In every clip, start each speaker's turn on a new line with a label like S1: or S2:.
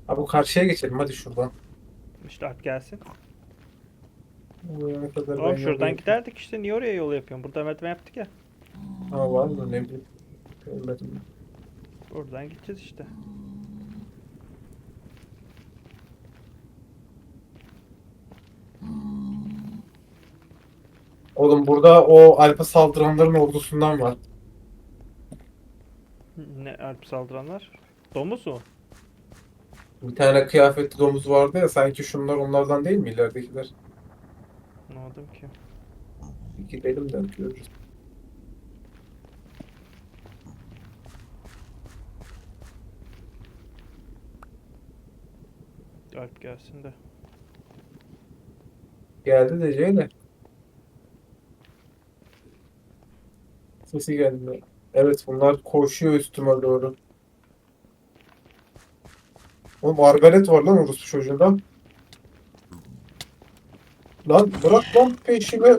S1: Abi bu karşıya geçelim hadi şuradan.
S2: İşte at gelsin.
S1: Buraya kadar ben
S2: Oğlum
S1: yolu
S2: şuradan
S1: yapayım.
S2: giderdik işte. Niye oraya yol yapıyorsun? Burada merdiven yaptık ya.
S1: Ha var mı ne bileyim. Görmedim.
S2: Buradan gideceğiz işte.
S1: Oğlum burada o Alp'e saldıranların ordusundan var.
S2: Ne Alp saldıranlar? Domuz mu?
S1: Bir tane kıyafetli domuz vardı ya sanki şunlar onlardan değil mi ileridekiler?
S2: Anlamadım ki.
S1: Bir gidelim de görürüz.
S2: Alp gelsin de.
S1: Geldi de Ceyle. Sesi geldi. Evet bunlar koşuyor üstüme doğru. Oğlum arbalet var lan orospu çocuğunda. Lan bırak lan peşimi.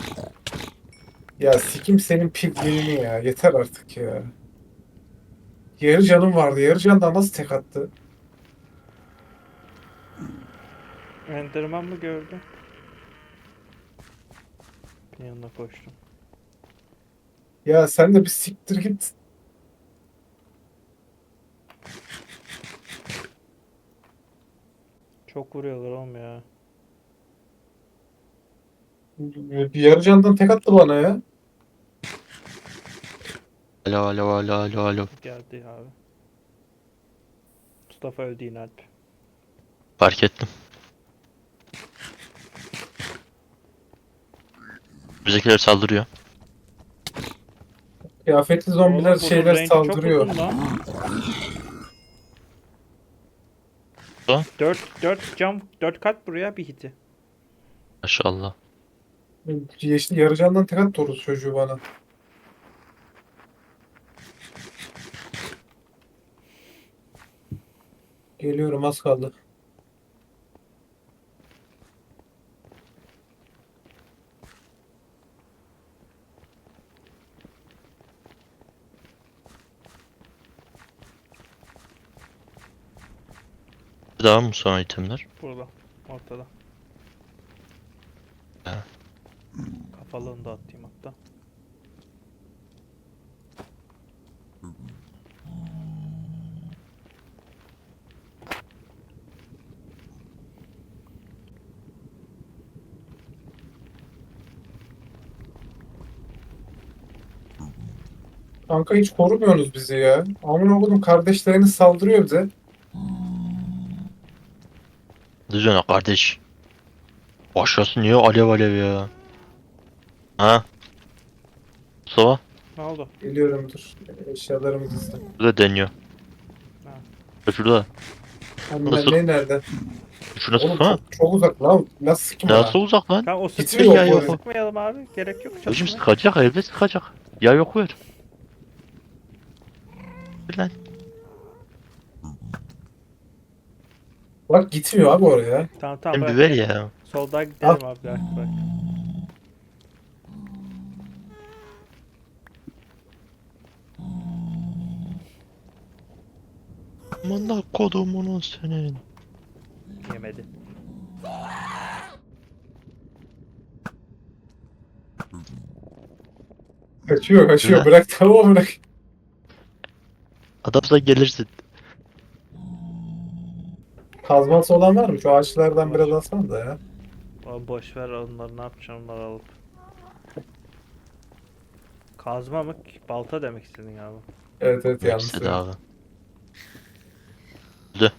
S1: Ya sikim senin piglinini ya. Yeter artık ya. Yarı canım vardı. Yarı candan nasıl tek attı?
S2: Enderman mı gördüm? Yanına koştum.
S1: Ya sen de bir siktir git.
S2: Çok vuruyorlar oğlum ya.
S1: Bir yarı candan tek attı bana ya.
S3: Alo alo alo alo alo.
S2: Geldi abi. Mustafa öldü yine Alp.
S3: Fark ettim. Bizimkiler saldırıyor.
S1: Kıyafetli zombiler
S2: Oğlum bunun
S1: şeyler
S2: range'i çok
S1: saldırıyor.
S2: uzun lan.
S3: Da.
S2: 4 kat buraya bir hiti.
S3: Maşallah.
S1: Yeşil yarı candan tek attı orospu çocuğu bana. Geliyorum az kaldı.
S3: Daha mı son itemler?
S2: Burada. Ortada.
S3: He.
S2: Kafalığını da atayım hatta.
S1: Kanka hiç korumuyorsunuz bizi ya. Amına koydum kardeşleriniz saldırıyor bize.
S3: Düzene kardeş. Aşağısı niye alev alev ya? Ha? Mustafa?
S2: Ne oldu?
S1: Geliyorum dur. Eşyalarımı dizdim.
S3: Burada deniyor.
S2: Ha.
S3: Şurada. Şurada
S1: Anne
S3: sık.
S1: ne nerede?
S3: Şuna
S1: Oğlum
S3: sıksana.
S1: çok uzak lan. Nasıl sikim ona?
S3: Nasıl uzak lan?
S2: Tamam o
S1: Gitmiyor
S2: sıkmayalım.
S1: bu
S3: Ya
S1: arada.
S3: yok.
S2: Sıkmayalım abi. Gerek yok
S3: Hocam
S2: çalışmaya.
S3: sıkacak, elbet sıkacak. Ya yok ver. Ver lan.
S1: Bak gitmiyor abi oraya.
S2: Tamam tamam
S3: Sen bir
S2: bırak
S3: ver
S2: gel.
S3: ya.
S2: Soldan
S1: Al.
S2: gidelim abi bırak bırak.
S3: Amına kodumunun senin.
S2: Yemedi.
S1: Kaçıyor kaçıyor.
S3: Ne?
S1: Bırak tamam bırak.
S3: Adamsa gelirsin.
S1: Kazması olan var mı? Şu ağaçlardan
S2: Var.
S1: biraz alsana da ya.
S2: Abi boş ver onları ne yapacağım onları alıp. Kazma mı? Balta demek istedin abi.
S1: Evet evet
S3: Ne
S1: yanlış
S3: istedi
S1: söyledim.
S3: abi? Öldü.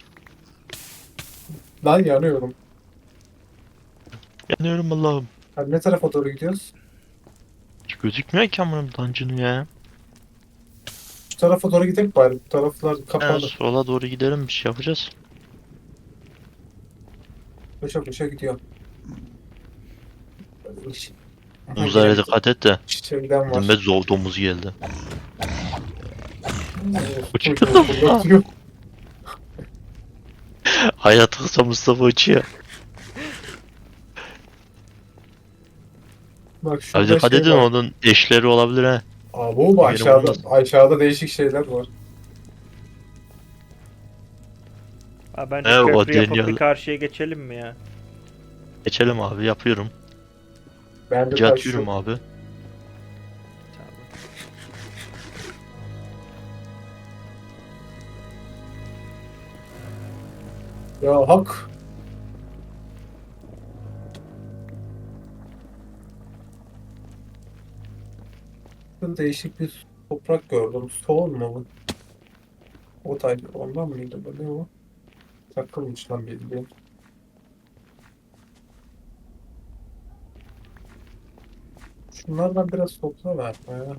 S1: Lan yanıyorum.
S3: Yanıyorum Allah'ım.
S1: Hadi ne tarafa doğru gidiyoruz?
S3: Hiç gözükmüyor ki amına dungeon'u ya.
S1: Şu tarafa doğru gidelim bari. Bu taraflar
S3: En
S1: kapalı.
S3: sola doğru gidelim, bir şey yapacağız.
S1: Koşa koşa gidiyor. Aha, yine
S3: Domuzlara
S1: bir
S3: dikkat et de.
S1: şeyden
S3: Dilime
S1: var.
S3: zor domuz geldi.
S1: Çocuğu
S3: Uçuyor.
S1: fırlatıyor.
S3: Hayat kısa Mustafa uçuyor.
S1: Bak
S3: Abi
S1: şurada
S3: dikkat
S1: şey
S3: edin,
S1: var.
S3: onun eşleri olabilir ha.
S1: Bu
S3: Yere vurmasın.
S1: aşağıda değişik şeyler var.
S2: Abi bence
S3: O
S2: köprü yapıp
S3: deniyor.
S2: bir karşıya geçelim mi ya?
S3: Geçelim abi, yapıyorum.
S1: Ben de
S3: Önce
S1: taş
S3: atıyorum
S1: yok.
S3: abi.
S2: Tamam.
S1: Ya hak. Değişik bir toprak gördüm. Soğun mu bu? O taydı. Ondan mıydı bu? Ne o? Takılmış lan bildiğin. Şunlardan biraz topla ver ya.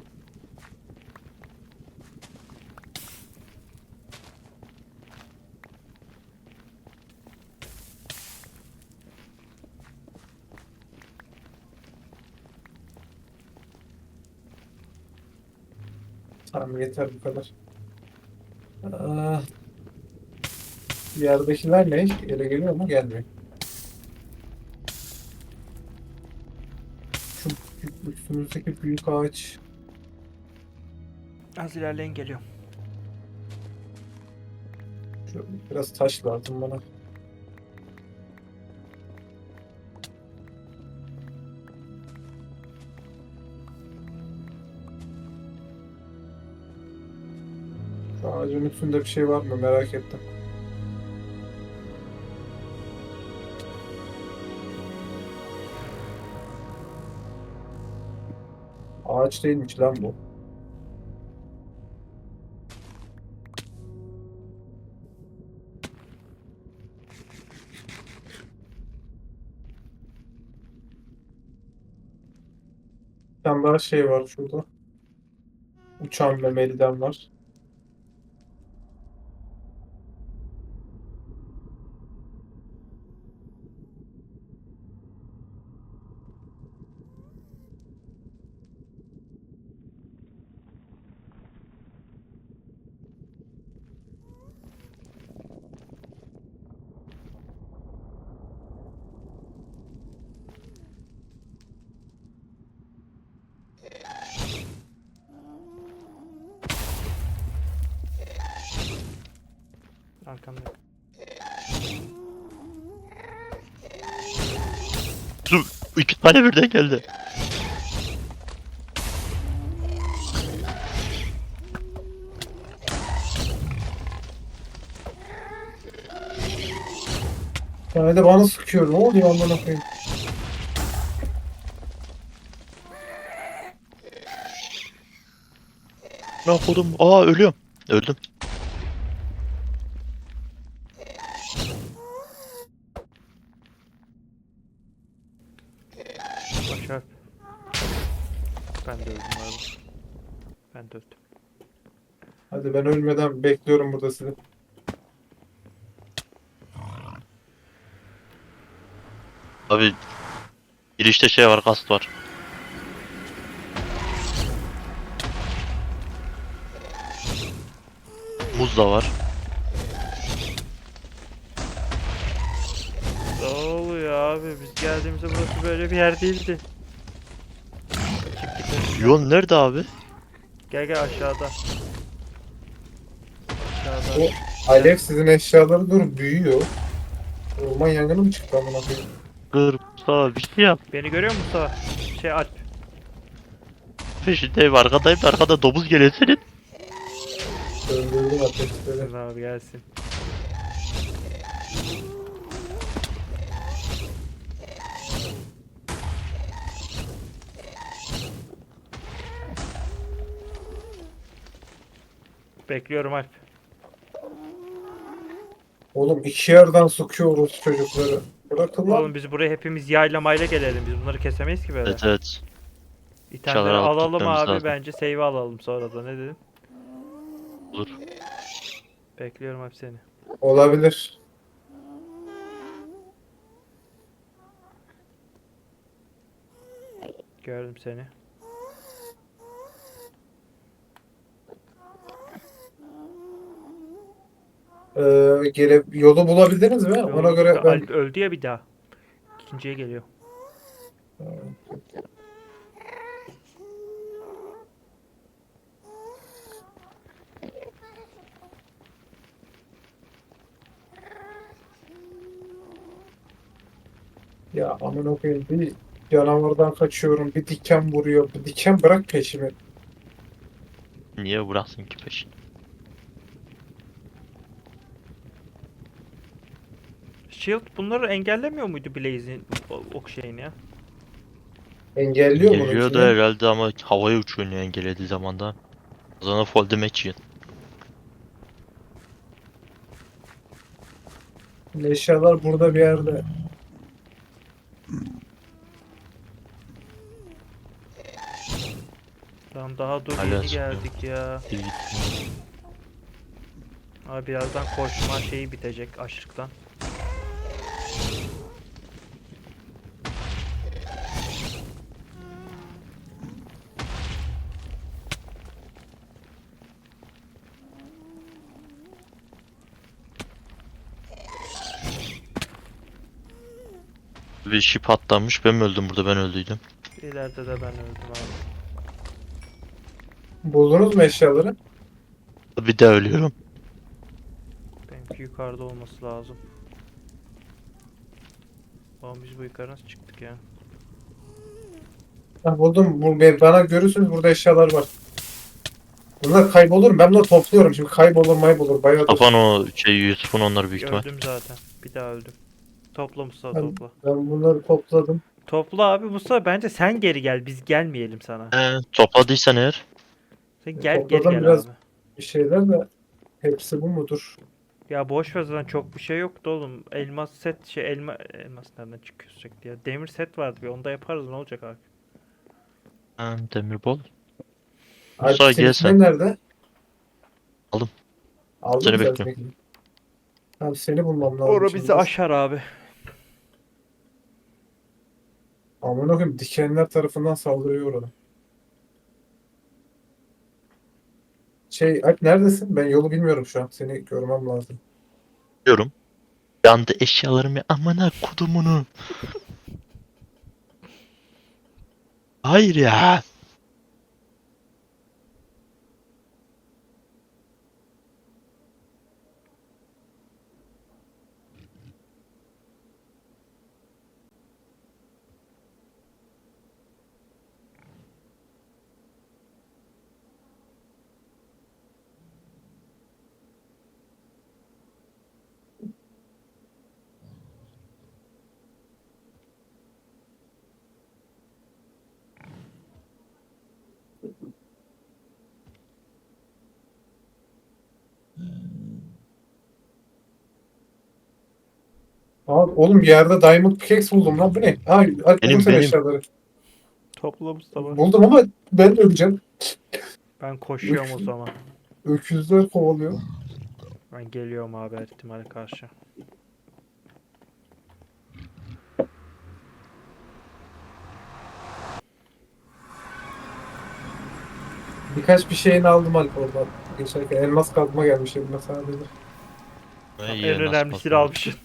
S1: Tamam yeter bu kadar. Aa, yerdekiler ne? Ele geliyor mu? Gelmiyor. Şu üstümüzdeki büyük ağaç.
S2: Az ilerleyin geliyorum.
S1: Biraz taş lazım bana. Şu ağacın üstünde bir şey var mı? Merak ettim. Ağaç değilmiş lan bu. Bir tane daha şey var şurada. Uçan memeliden var.
S2: Arkamda.
S3: Dur, 2 tane birden geldi.
S1: Yani de bana sıkıyor. Ne oluyor amına koyayım?
S3: Ne yapalım? Aa, ölüyorum. Öldüm.
S2: Başar. Ben de öldüm abi. Ben de öldüm.
S1: Hadi ben ölmeden bekliyorum burada sizi.
S3: Abi girişte şey var, gast var. Muz da var.
S2: Ne oluyor abi? Biz geldiğimizde burası böyle bir yer değildi. Çık git önümden.
S3: Yol nerede abi?
S2: Gel gel aşağıda. Aşağıda.
S1: O alev sizin eşyaları dur büyüyor. Orman yangını mı çıktı amına koyayım?
S3: Gırpta bir şey yap.
S2: Beni görüyor musun Mustafa? Alp.
S3: Peşindeyim, arkadayım da arkada domuz geliyor senin.
S1: Öldürdüm ateşleri.
S2: Dur abi gelsin. Bekliyorum Alp.
S1: Oğlum iki yerden sokuyoruz çocukları. Bırakın lan.
S2: Oğlum biz buraya hepimiz yaylamayla gelelim. Biz bunları kesemeyiz ki böyle.
S3: Evet evet.
S2: İtemleri
S3: Çadır alıp
S2: alalım
S3: gitmemiz
S2: abi.
S3: lazım.
S2: Bence save alalım sonra da. Ne dedin?
S3: Olur.
S2: Bekliyorum abi seni.
S1: Olabilir.
S2: Gördüm seni.
S1: Yolu bulabildiniz mi? Ona göre ben...
S2: Alp öldü ya bir daha. İkinciye geliyor.
S1: Ya amına koyayım, bir canavardan kaçıyorum, bir diken vuruyor. Bir diken bırak peşimi.
S3: Niye bıraksın ki peşin?
S2: Shield bunları engellemiyor muydu Blaze'in ok şeyini ya?
S1: Engelliyor
S3: Geliyor da
S1: bununkini.
S3: herhalde ama havaya uçuyor engellediği zaman da. O zaman fall damage yiyor.
S1: Eşyalar burada bir yerde.
S2: Lan daha dur
S3: Hala
S2: yeni
S3: sıkıyor.
S2: geldik ya.
S3: Bir gitmiyor.
S2: Abi birazdan koşma şeyi bitecek açlıktan.
S3: Bir ship atlamış. Ben mi öldüm burada? Ben öldüydüm.
S2: İleride de ben öldüm abi.
S1: Buldunuz mu eşyaları?
S3: Bir de ölüyorum.
S2: Benimki yukarıda olması lazım. Oğlum biz bu yukarı nasıl çıktık ya?
S1: Ha, buldum. Bana görürsünüz, burada eşyalar var. Bunlar kaybolur mu? Ben bunları topluyorum. Şimdi kaybolur maybolur. Bayağıdır.
S3: Kapan o şey Yusuf'un onları büyük ihtimal.
S2: Öldüm zaten. Bir daha öldüm. Topla Mustafa
S1: Ben,
S2: topla.
S1: ben bunları topladım.
S2: Topla abi Mustafa, bence sen geri gel, biz gelmeyelim sana.
S3: Topladıysan eğer.
S2: Sen geri
S1: Topladım
S2: gel
S1: biraz
S2: abi.
S1: bir şeyler de hepsi bu mudur?
S2: Ya boş ver, zaten çok bir şey yoktu oğlum. Elmas set elmas nereden çıkıyor sürekli ya? Demir set vardı, bir onda yaparız, ne olacak abi?
S3: Demirbol.
S1: Alp
S3: Musa gel
S1: seninkiler
S3: sen.
S1: nerede?
S3: Aldım.
S1: Aldın
S3: Seni
S1: mı sen
S3: bekliyorum.
S1: seninkini? Tamam, seni bulmam lazım
S2: Ora
S1: şimdi.
S2: bizi aşar abi.
S1: Aman okuyayım, dikenler tarafından saldırıyor orada. Alp neredesin? Ben yolu bilmiyorum şu an. Seni görmem lazım.
S3: Diyorum. Yandı eşyalarımı amına kudumunu. Hayır ya.
S1: Aa, oğlum bir yerde Diamond Pickaxe buldum lan. Bu ne? Alp buldum sen
S3: Benim.
S1: eşyaları.
S2: Topla Mustafa.
S1: Buldum ama ben öleceğim.
S2: Ben koşuyorum o zaman.
S1: Öküzler kovalıyor.
S2: Ben geliyorum abi her ihtimale karşı.
S1: Birkaç bir şeyini aldım Alp oradan. Geçerken elmas kazma gelmiş elime sadece.
S2: En önemlisini almışsın.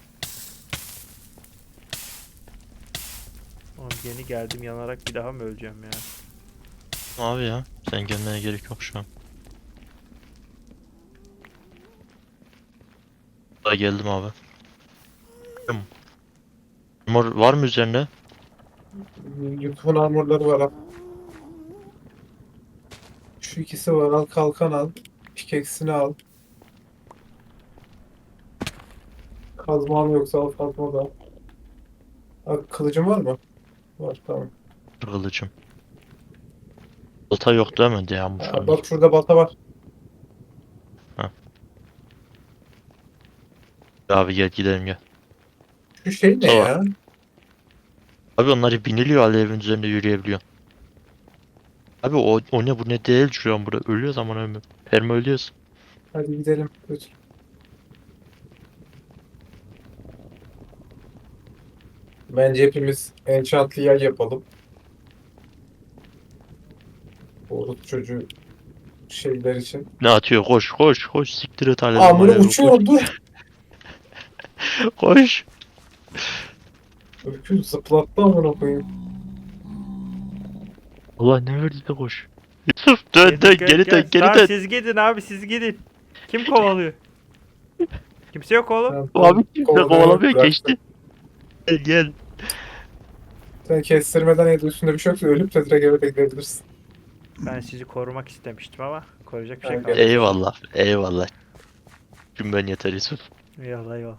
S2: Oğlum yeni geldim, yanarak bir daha mı öleceğim ya?
S3: Abi ya. Sen gelmene gerek yok şu an. Daha geldim abi. Mor var mı üzerinde?
S1: YouTube'un armorları var ha. Şu ikisi var, al kalkan al. Pickaxe'ini al. Kazman yoksa al kazma da al. Kılıcın var mı? Var, tamam.
S3: Kılıcım. Balta yok değil mi? Yağmış onlar.
S1: Bak şurada balta var.
S3: Abi gel gidelim gel.
S1: Şu şey ne
S3: Tamam.
S1: ya?
S3: Abi onları biniliyor alevin üzerinde yürüyebiliyor. Abi o ne bu ne değil şu an burada. Ölüyor zaman ölmüyor. Perma ölüyoruz.
S1: Hadi gidelim. Lütfen. Bence hepimiz enchantlı yay yapalım. Orut çocuğu şeyler için.
S3: Ne atıyor? Koş koş koş. Siktir et alevi
S1: Amına
S3: malevi. Koş.
S1: uçuyorum, dur.
S3: Koş.
S1: Öküz zıplattı amına koyayım.
S3: Allah ne verdi de koş. Yusuf dön dön geri dön geri
S2: Tamam,
S3: dön.
S2: siz gidin abi, siz gidin. Kim kovalıyor? Kimse yok oğlum.
S1: Tamam,
S3: Abi kimse
S1: kovalamıyor,
S3: kovalamıyor
S1: bıraktım.
S3: geçti. Gel gel.
S1: Sen kestirmeden ya da üstünde bir şey yoksa ölüp de direkt eve de gidebilirsin.
S2: Ben sizi korumak istemiştim ama koruyacak bir şey
S1: Ben
S2: kalmadı.
S1: gerek-
S3: Eyvallah. Eyvallah. Cümben yeter Yusuf.
S2: Eyvallah eyvallah.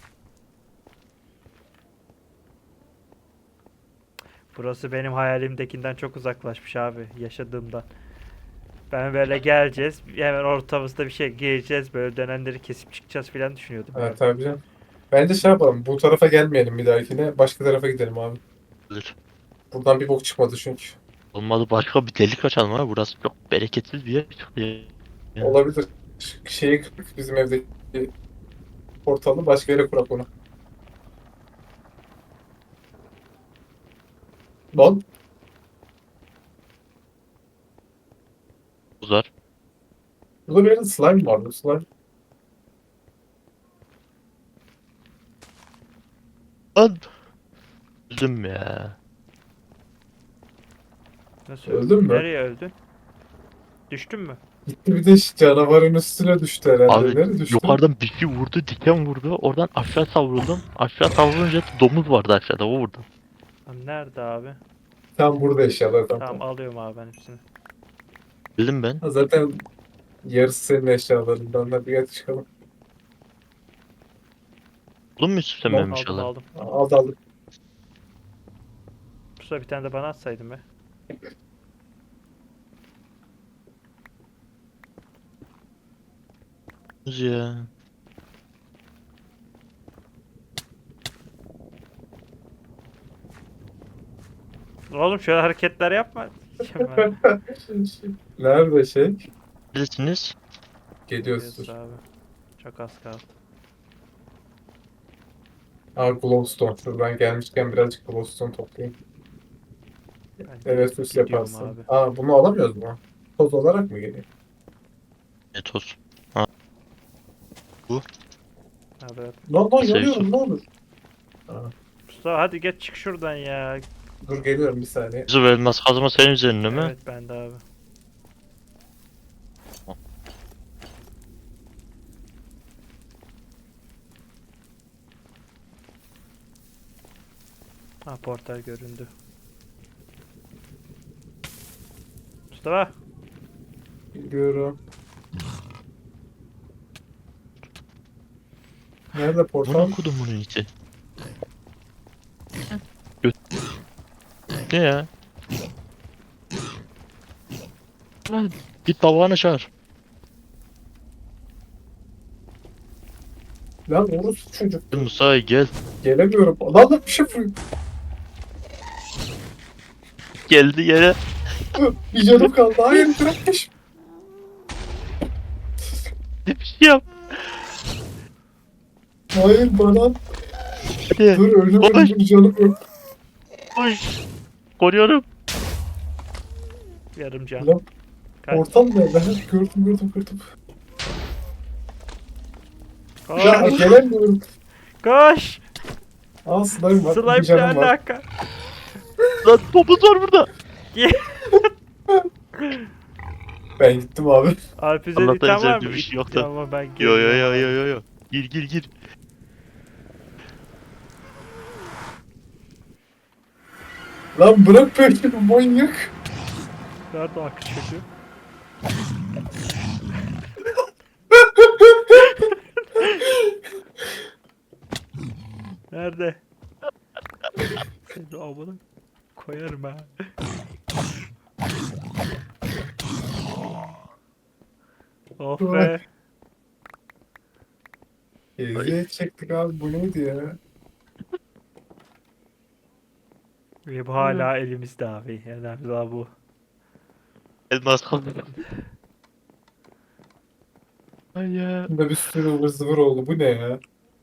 S2: Burası benim hayalimdekinden çok uzaklaşmış abi yaşadığımdan. Ben böyle geleceğiz hemen ortamızda bir şey gireceğiz böyle dönenleri kesip çıkacağız filan düşünüyordum.
S1: Ha, tabii canım. Bence şey yapalım. Bu tarafa gelmeyelim bir dahakine. Başka tarafa gidelim abi.
S3: Dur.
S1: Buradan bir bok çıkmadı çünkü.
S3: Olmadı başka bir delik açalım abi. Burası çok bereketsiz bir yer çıktı ya.
S1: Olabilir. Şeyi kırık, bizim evdeki portalı başka yere kurak onu. Lan
S3: Uzar.
S1: burada bir yerde slime vardı. Slime.
S3: Lan. Üzüm ya.
S2: Nasıl
S1: Öldün mü?
S2: Nereye öldün? Düştün mü?
S1: Gitti bir de canavarın üstüne düştü herhalde.
S3: Abi
S1: Nereye düştü?
S3: yukarıdan bir şey vurdu, diken vurdu. Oradan aşağı savruldum. Aşağı savrulunca domuz vardı aşağıda. O vurdu.
S2: Lan nerede abi?
S1: Tam burada eşyalar tam.
S2: Tamam alıyorum abi ben hepsini.
S3: Bildim ben.
S1: Ha, zaten yarısı senin eşyalarından da bir yere çıkalım.
S3: Buldun mu Yusuf sen
S1: Lan,
S3: benim bir
S2: Aldım
S3: şeyler?
S2: aldım.
S1: Aldı aldı.
S2: Bu sefer bir tane de bana atsaydın be.
S3: Ya.
S2: Oğlum şöyle hareketler yapma.
S1: Nerede şey?
S3: Neredesiniz?
S1: Geliyoruz.
S2: Geliyoruz abi. Çok az kaldı.
S1: Aa, glowstone. Dur ben gelmişken birazcık glowstone toplayayım.
S2: Ben
S1: Evet süs
S2: gidiyorum
S1: yaparsın.
S2: abi.
S1: Aa bunu alamıyoruz mu? Toz olarak mı geliyor?
S3: Ne toz.
S2: Abi,
S1: Lan
S3: Neyse,
S1: yanıyorum
S3: Yusuf.
S1: ne olur. Aa,
S2: Mustafa hadi geç çık şuradan ya.
S1: dur geliyorum bir saniye.
S3: Yusuf elmas kazma senin üzerinde mi?
S2: Evet ben de abi. Ha portal göründü. Mustafa.
S1: Geliyorum. Nerede portal?
S3: Bunu okudum bunun içi. Göt. Ne ya? Lan git babanı çağır.
S1: Lan orası çocuk.
S3: Gel Musa gel.
S1: Gelemiyorum. Lan bir şey fırlıyor.
S3: Geldi yere.
S1: Bir canım kaldı. Hayır bırakmış.
S3: Bir şey yap.
S1: Hayır bana.
S3: Hadi.
S1: Dur ölüm
S3: Koş.
S1: ölüm canım yok.
S3: Koş. Koruyorum.
S2: Yarım can.
S1: Lan
S2: Kaç.
S1: portal nerede? Ha, gördüm.
S2: Koş.
S1: Ya gelemiyorum.
S2: Koş.
S1: Aa slime var. Bir
S2: Slime ne
S1: canım var.
S2: alaka?
S3: Lan topuz var burada.
S1: Ben gittim abi.
S2: Alpiz'e
S3: Allah'tan
S2: item var
S3: üzerinde
S2: mı?
S3: bir şey yoktu.
S2: Ama ben
S3: Yo yo
S2: geliyorum
S3: yo
S2: abi.
S3: yo yo yo. Gir.
S1: Lan bırak peşimi manyak.
S2: Nerede o akış çocuğu? Nerede? Seni amına koyarım ha. Oh be.
S1: Eziyet çektik abi bu neydi ya?
S2: Ve bu hala elimizde abi. Önemli daha bu.
S3: Elmas kaldı. Ay ya.
S1: Bunda bir sürü ıvır zıvır oldu. Bu ne ya?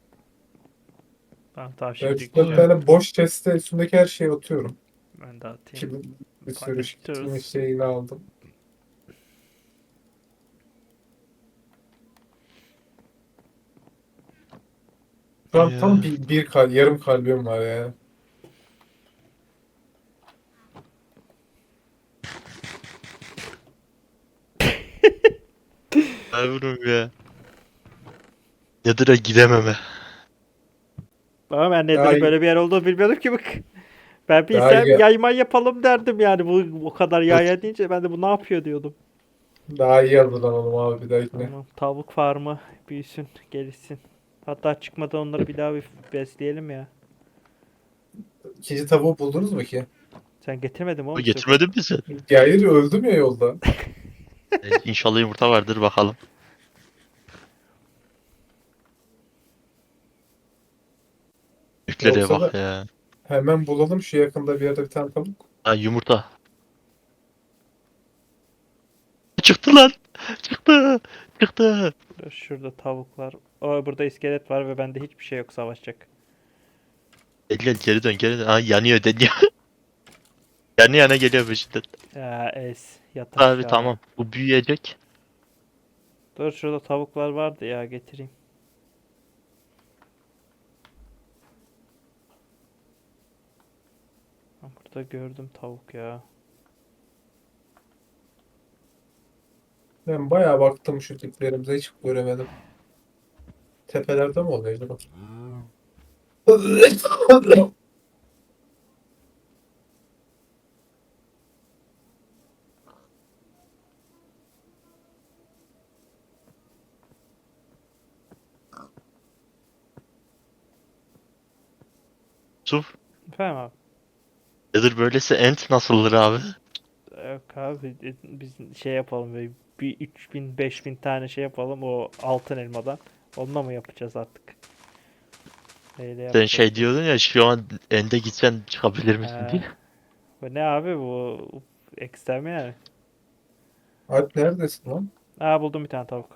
S2: Tamam tamam
S1: Ben
S2: şimdi
S1: şu dört
S2: gideceğim.
S1: tane boş chest'e üstündeki her şeyi atıyorum.
S2: Ben de atayım.
S1: Şimdi bir sürü
S2: Connectors.
S1: kimin şeyini aldım. Şu an
S3: Ya.
S1: tam yarım kalbim var ya.
S3: Yavrum ya. Nether'a gidememe.
S2: Ama ben
S1: Ya-
S2: Nether'ın böyle bir yer olduğunu bilmiyordum ki bak. Ben
S1: Daha
S2: bilsem
S1: iyi.
S2: yayma yapalım derdim yani. Bu kadar yaya deyince ben de bu ne yapıyor diyordum.
S1: Daha iyi hazırlanalım abi bir dahakine.
S2: Tamam, tavuk farmı büyüsün, gelişsin. Hatta çıkmadan onları bir daha bir besleyelim ya.
S1: İkinci tavuğu buldunuz mu ki?
S2: Sen getirmedin mi oğlum?
S3: Getirmedin mi sen?
S1: Hayır, öldüm ya yolda.
S3: İnşallah yumurta vardır bakalım. Büyüklere
S1: Yoksa
S3: bak
S1: da
S3: ya.
S1: hemen bulalım şu yakında bir yerde bir tane tavuk.
S3: Ha yumurta. Çıktı lan. Çıktı. Çıktı.
S2: Şurada tavuk var. O burada iskelet var ve bende hiçbir şey yok savaşacak.
S3: Gel gel geri dön geri dön. Ha yanıyor deniyor. Yani yana geliyor peşinden.
S2: Ya es yat
S3: Abi
S2: aşağı.
S3: tamam. Bu büyüyecek.
S2: Dur şurada tavuklar vardı ya getireyim. Ha, burada gördüm tavuk ya.
S1: Ben bayağı baktım şu tiplerimize, hiç göremedim. Tepelerde mi oluyor acaba?
S3: Suf.
S2: Efendim abi.
S3: Nedir böylesi ent nasıldır abi?
S2: Yok abi biz şey yapalım böyle bir 3000 5000 tane şey yapalım o altın elmadan. Onunla mı yapacağız artık? Neyle
S3: Sen
S2: yapacağız?
S3: şey diyordun ya şu an ende gitsen çıkabilir misin
S2: He.
S3: diye.
S2: Bu ne abi bu ekstrem yani.
S1: Alp neredesin lan?
S2: Aa buldum bir tane tavuk.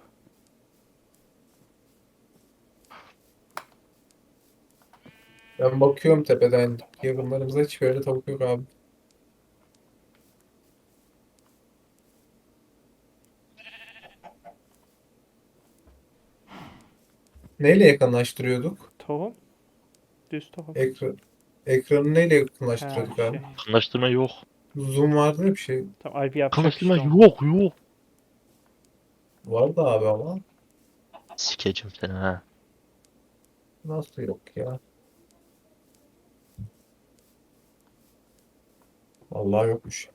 S1: Ben bakıyorum tepeden. Yakınlarımızda hiç böyle tavuk yok abi. Neyle yakınlaştırıyorduk?
S2: Tohum. Düz tohum.
S1: Ekranı neyle
S2: Ha
S1: yakınlaştırıyorduk abi?
S2: şey.
S3: Anlaştırma yok.
S1: Zoom vardı ya bir şey.
S2: Tamam Alp yapacak
S3: Anlaştırma
S2: işte onu.
S3: yok.
S1: Vardı abi ama.
S3: Sikeceğim seni ha.
S1: Nasıl yok ya? Vallahi yokmuş.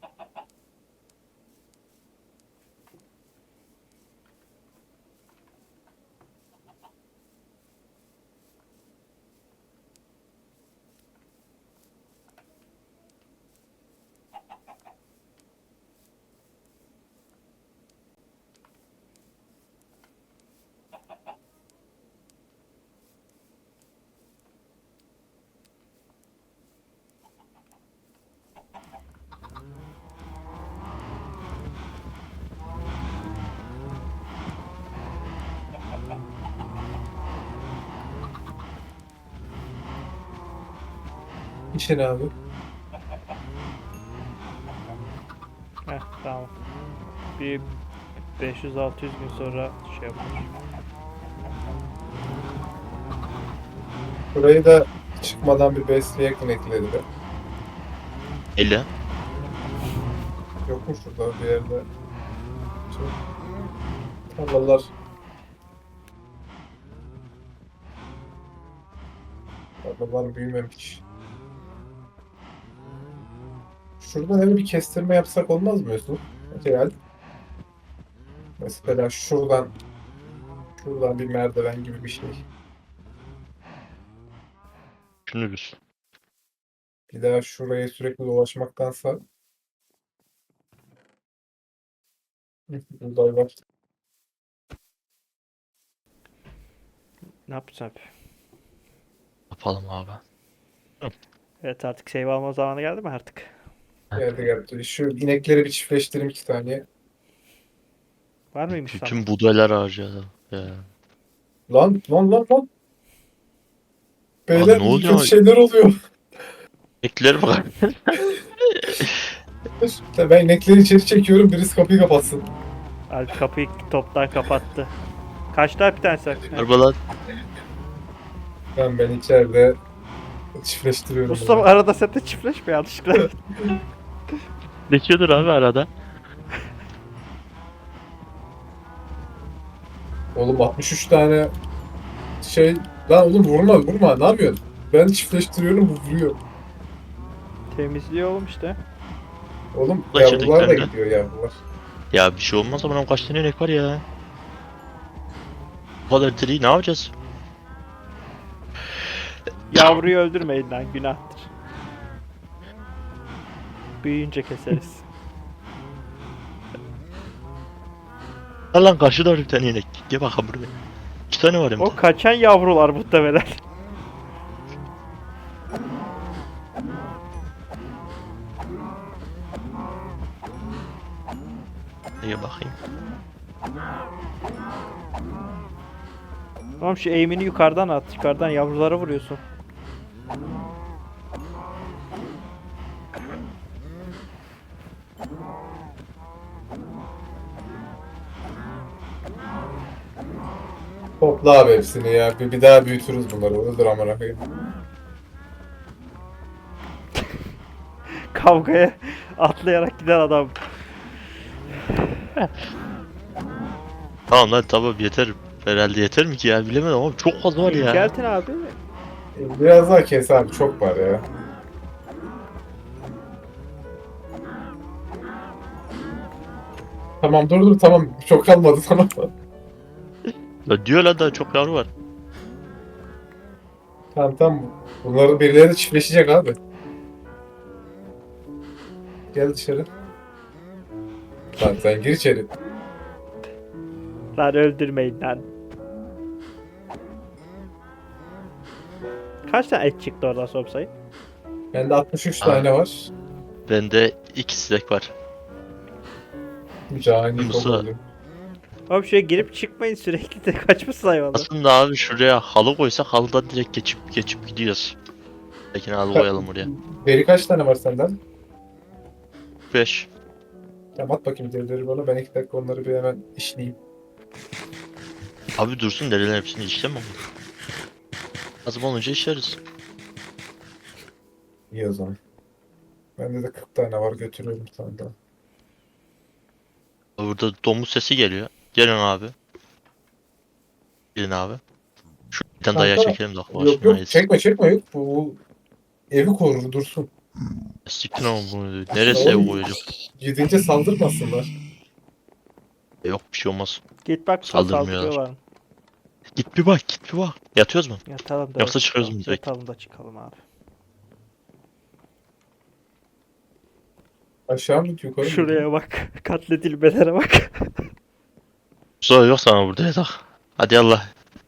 S1: İşin abi.
S2: Heh tamam. Bir 500-600 gün sonra şey yapar.
S1: Burayı da çıkmadan bir besleyek ekledi be.
S3: Ele.
S1: Yok mu şurada bir yerde? Çok tarlalar. Tarlalar büyümemiş. Şuradan öyle bir kestirme yapsak olmaz mı Yusuf? Real. Mesela şuradan bir merdiven gibi bir şey.
S3: Düşünürüz.
S1: Bir daha şuraya sürekli dolaşmaktansa. Uzay var.
S2: Ne yapacağız abi?
S3: Yapalım abi.
S2: Evet artık save alma zamanı geldi mi artık?
S1: Geldi. Şu inekleri bir çiftleştireyim 2 saniye.
S2: Var mıymış sana?
S3: Bütün buğdaylar harcadı. Ya.
S1: Lan.
S3: Aa,
S1: Beyler
S3: ne
S1: iyi
S3: oluyor?
S1: kötü şeyler oluyor.
S3: Ekler bak.
S1: Ben inekleri içeri çekiyorum, birisi kapıyı kapatsın.
S2: Alp kapıyı toptan kapattı. Kaçtı bir tanesi?
S3: Arabalar.
S1: Ben içeride çiftleştiriyorum.
S2: Mustafa
S1: bunu.
S2: arada sen de çiftleşme yanlışlıkla.
S3: Geçiyordur abi arada.
S1: Oğlum 63 tane şey... Lan oğlum vurma. Ne yapıyorsun? Ben çiftleştiriyorum, bu vuruyor.
S2: Temizliyor oğlum işte.
S1: Oğlum
S3: Ulan
S1: yavrular da
S3: çocuklar da.
S1: gidiyor yavrular.
S3: Ya bir şey olmaz ama kaç tane inek var ya. Bu kadar diri ne yapacağız?
S2: Yavruyu öldürmeyin lan, günahtır. Büyüyünce keseriz.
S3: Lan karşıda var bir tane inek. Gel bakalım buraya. 2 tane var hem de.
S2: O kaçan yavrular muhtemelen.
S3: Gel bakayım.
S2: Tamam, şu eğimini yukarıdan at. Yukarıdan yavrulara vuruyorsun.
S1: Topla abi hepsini ya. Bir daha büyütürüz bunları. Öldür amına koyayım.
S2: Kavgaya atlayarak giden adam.
S3: Tamam lan tamam yeter. Herhalde yeter mi ki ya bilemedim ama çok fazla var ya.
S2: İnceltin abi.
S1: Biraz daha kes abi. Çok var ya. Tamam dur tamam. Çok kalmadı tamam.
S3: Ya diyor lan daha çok yavru var.
S1: Tamam. Bunların birileri de çiftleşecek abi. Gel dışarı. Lan sen gir içeri.
S2: Lan öldürmeyin lan. Kaç tane et çıktı oradan Sobsay?
S1: Bende 63 tane var.
S3: Bende 2 sinek var.
S1: Cani
S3: Musa.
S1: çok oldu.
S2: Abi şuraya girip çıkmayın, sürekli de kaçmış hayvanlar.
S3: Aslında abi şuraya halı koysak halıdan direkt geçip gidiyoruz. Peki halı koyalım oraya.
S1: Beri kaç tane var senden?
S3: 5.
S1: Tamam at bakayım derileri bana. Ben 2 dakika onları bir hemen işleyeyim.
S3: Abi dursun derilerin hepsini işleme mi? Lazım olunca işleriz.
S1: İyi o zaman. Bende de 40 tane var götürüyorum bir tane daha.
S3: Burada domuz sesi geliyor. Gelin abi. Gelin abi. Şu bir tane daha
S1: Kanka,
S3: çekelim de.
S1: Yok yok çekme yok. Bu evi korur dursun.
S3: Siktir ama bunu. Neresi ev koyacak?
S1: Gidince saldırmasınlar.
S3: Yok bir şey olmaz.
S2: Git bak,
S3: Saldırmıyorlar.
S2: saldırıyorlar.
S3: Git bir bak git bir bak. Yatıyoruz mu?
S2: Yatalım da
S3: Yoksa çıkıyoruz mu
S2: çıkalım.
S3: direkt?
S2: Yatalım da çıkalım abi.
S1: Aşağı mı yukarı mı?
S2: Şuraya bak. Katledilmelere bak.
S3: Sonra yok sana burada yatak. Hadi Allah.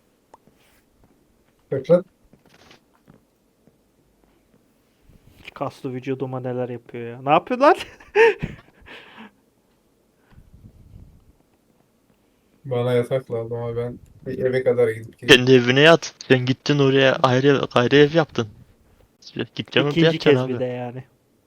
S1: Tekrar.
S2: Kaslı vücuduma neler yapıyor ya. Ne yapıyor lan?
S1: Bana yatak lazım ama ben bir eve kadar gidip geleyim.
S3: Kendi evine yat. Sen gittin oraya ayrı ev yaptın. Gideceğim orada
S2: İkinci
S3: yatacaksın
S2: kez
S3: abi.
S2: bir de yani.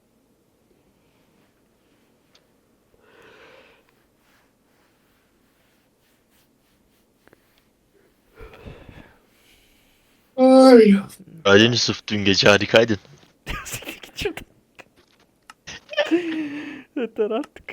S1: Ay.
S3: Aileni sırf dün gece harikaydın.
S2: Git şuradan. Yeter artık.